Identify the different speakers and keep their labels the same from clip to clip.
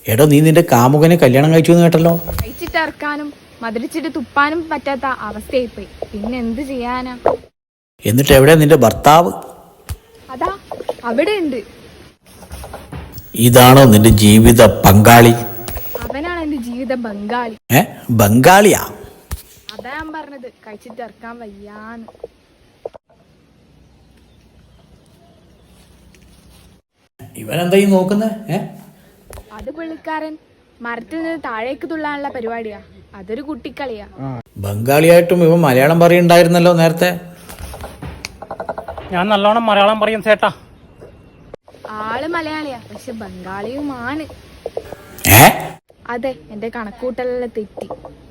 Speaker 1: എടോ, നീ നിന്റെ കാമുകനെ കല്യാണം കഴിച്ചു എന്ന് കേട്ടല്ലോ.
Speaker 2: കഴിച്ചിട്ട് ഇറക്കാനും മധുരിച്ചിട്ട് തുപ്പാനും പറ്റാത്ത അവസ്ഥയായിപ്പോയി. പിന്നെ എന്ത് ചെയ്യാനാ?
Speaker 1: എന്നിട്ട് എവിടെയാ നിന്റെ ഭർത്താവ്?
Speaker 2: അതാ അവിടെ ഉണ്ട്.
Speaker 1: ഇതാണോ നിന്റെ ജീവിത പങ്കാളി?
Speaker 2: അവനാണ് എന്റെ ജീവിത ബംഗാളി.
Speaker 1: ബംഗാളിയാ?
Speaker 2: അതാ ഞാൻ പറഞ്ഞത്, കഴിച്ചിട്ട് ഇറക്കാൻ വയ്യാന്ന്.
Speaker 1: ഇവനെന്താ ഈ നോക്കുന്നേ?
Speaker 2: അത് പുള്ളിക്കാരൻ മരത്തിൽ നിന്ന് താഴേക്ക് തുള്ളാനുള്ള പരിപാടിയാ. അതൊരു കുട്ടിക്കളിയാ.
Speaker 1: ബംഗാളിയായിട്ടും ഇവൻ മലയാളം പറയുണ്ടായിരുന്നല്ലോ നേരത്തെ.
Speaker 3: ഞാൻ നല്ലോണം മലയാളം പറയും ചേട്ടാ.
Speaker 2: ആള് മലയാളിയാ, പക്ഷെ ബംഗാളിയുമാണ്. അതെ, എന്റെ കണക്കൂട്ടലെല്ലാം തെറ്റി.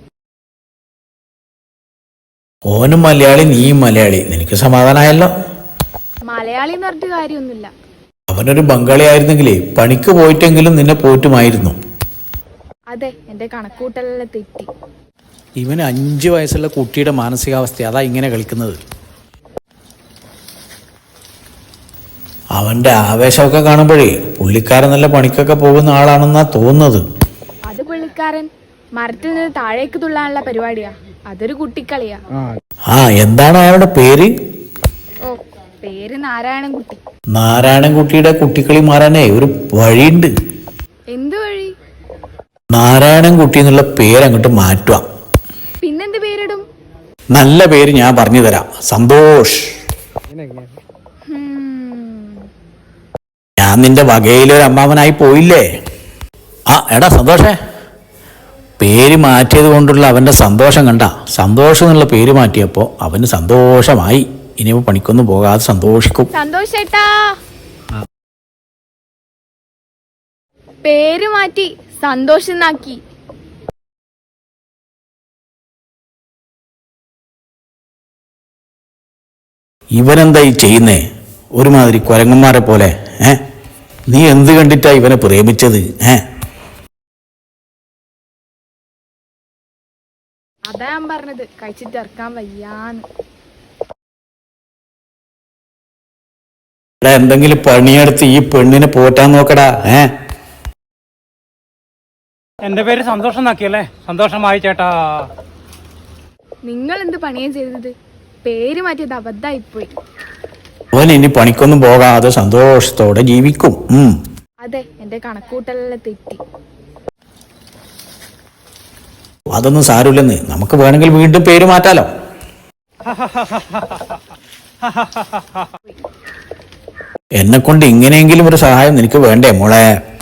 Speaker 1: ഓനും മലയാളി, നീയും മലയാളി. നിനക്ക് സമാധാനമായല്ലോ.
Speaker 2: മലയാളി എന്ന് പറഞ്ഞിട്ട് കാര്യമൊന്നുമില്ല.
Speaker 1: അവനൊരു ബംഗാളി ആയിരുന്നെങ്കിലേ പണിക്ക് പോയിട്ടെങ്കിലും നിന്നെ പോറ്റുമായിരുന്നു.
Speaker 2: അതെ, എന്റെ കണക്കൂട്ടലെല്ലാം തെറ്റി.
Speaker 1: ഇവന് 5 വയസ്സുള്ള കുട്ടിയുടെ മാനസികാവസ്ഥ അതാ ഇങ്ങനെ കളിക്കുന്നത്. അവന്റെ ആവേശമൊക്കെ കാണുമ്പോഴേ പുള്ളിക്കാരൻ നല്ല പണിക്കൊക്കെ പോകുന്ന ആളാണെന്നാ തോന്നുന്നത്.
Speaker 2: അത് പുള്ളിക്കാരൻ മരത്തിൽ നിന്ന് താഴേക്ക് തുള്ളാനുള്ള പരിപാടിയാ. അതൊരു കുട്ടിക്കളിയാ.
Speaker 1: എന്താണ് അയാളുടെ പേര്?
Speaker 2: ഓ, പേര് നാരായണൻകുട്ടി.
Speaker 1: നാരായണൻകുട്ടിയുടെ കുട്ടിക്കളി മാറാനേ ഒരു വഴിയുണ്ട്.
Speaker 2: എന്ത് വഴി?
Speaker 1: നാരായണൻകുട്ടി എന്നുള്ള പേര് അങ്ങോട്ട് മാറ്റുക.
Speaker 2: പിന്നെന്ത് പേരിടും?
Speaker 1: നല്ല പേര് ഞാൻ പറഞ്ഞു തരാം. സന്തോഷ്. ഞാൻ നിന്റെ വകയിലൊരു അമ്മാവനായി പോയില്ലേ? എടാ സന്തോഷേ, പേര് മാറ്റിയത് കൊണ്ടുള്ള അവന്റെ സന്തോഷം കണ്ട. സന്തോഷം എന്നുള്ള പേര് മാറ്റിയപ്പോ അവന് സന്തോഷമായി. ഇനിയിപ്പോ പണിക്കൊന്നും പോകാതെ സന്തോഷിക്കും.
Speaker 2: സന്തോഷേട്ടാ, പേര് മാറ്റി സന്തോഷന്നാക്കി.
Speaker 1: ഇവനെന്താ ഈ ചെയ്യുന്നേ? ഒരുമാതിരി കുരങ്ങന്മാരെ പോലെ. നീ എന്ത് കണ്ടിട്ടാ ഇവനെ പ്രേമിച്ചത്?
Speaker 2: അതാ ഞാൻ പറഞ്ഞത്, കഴിച്ചിട്ട് ഇറക്കാൻ വയ്യാന്ന്.
Speaker 1: എന്തെങ്കിലും പണിയെടുത്ത് ഈ പെണ്ണിനെ പോറ്റാൻ നോക്കടാ.
Speaker 3: എന്റെ പേര് സന്തോഷം എന്നാക്കിയല്ലേ? സന്തോഷമായി ചേട്ടാ.
Speaker 2: നിങ്ങൾ എന്ത് പണിയാ ചെയ്തത്? പേര് മാറ്റിയത് അബദ്ധമായിപ്പോയി.
Speaker 1: അവൻ ഇനി പണിക്കൊന്നും പോകാതെ സന്തോഷത്തോടെ ജീവിക്കും.
Speaker 2: അതെ, എന്റെ കണക്കൂട്ടലെല്ലാം തെറ്റി.
Speaker 1: അതൊന്നും സാരമില്ലെന്ന്. നമുക്ക് വേണമെങ്കിൽ വീണ്ടും പേര് മാറ്റാലോ. എന്നെ കൊണ്ട് ഇങ്ങനെയെങ്കിലും ഒരു സഹായം നിനക്ക് വേണ്ടേ മോളെ?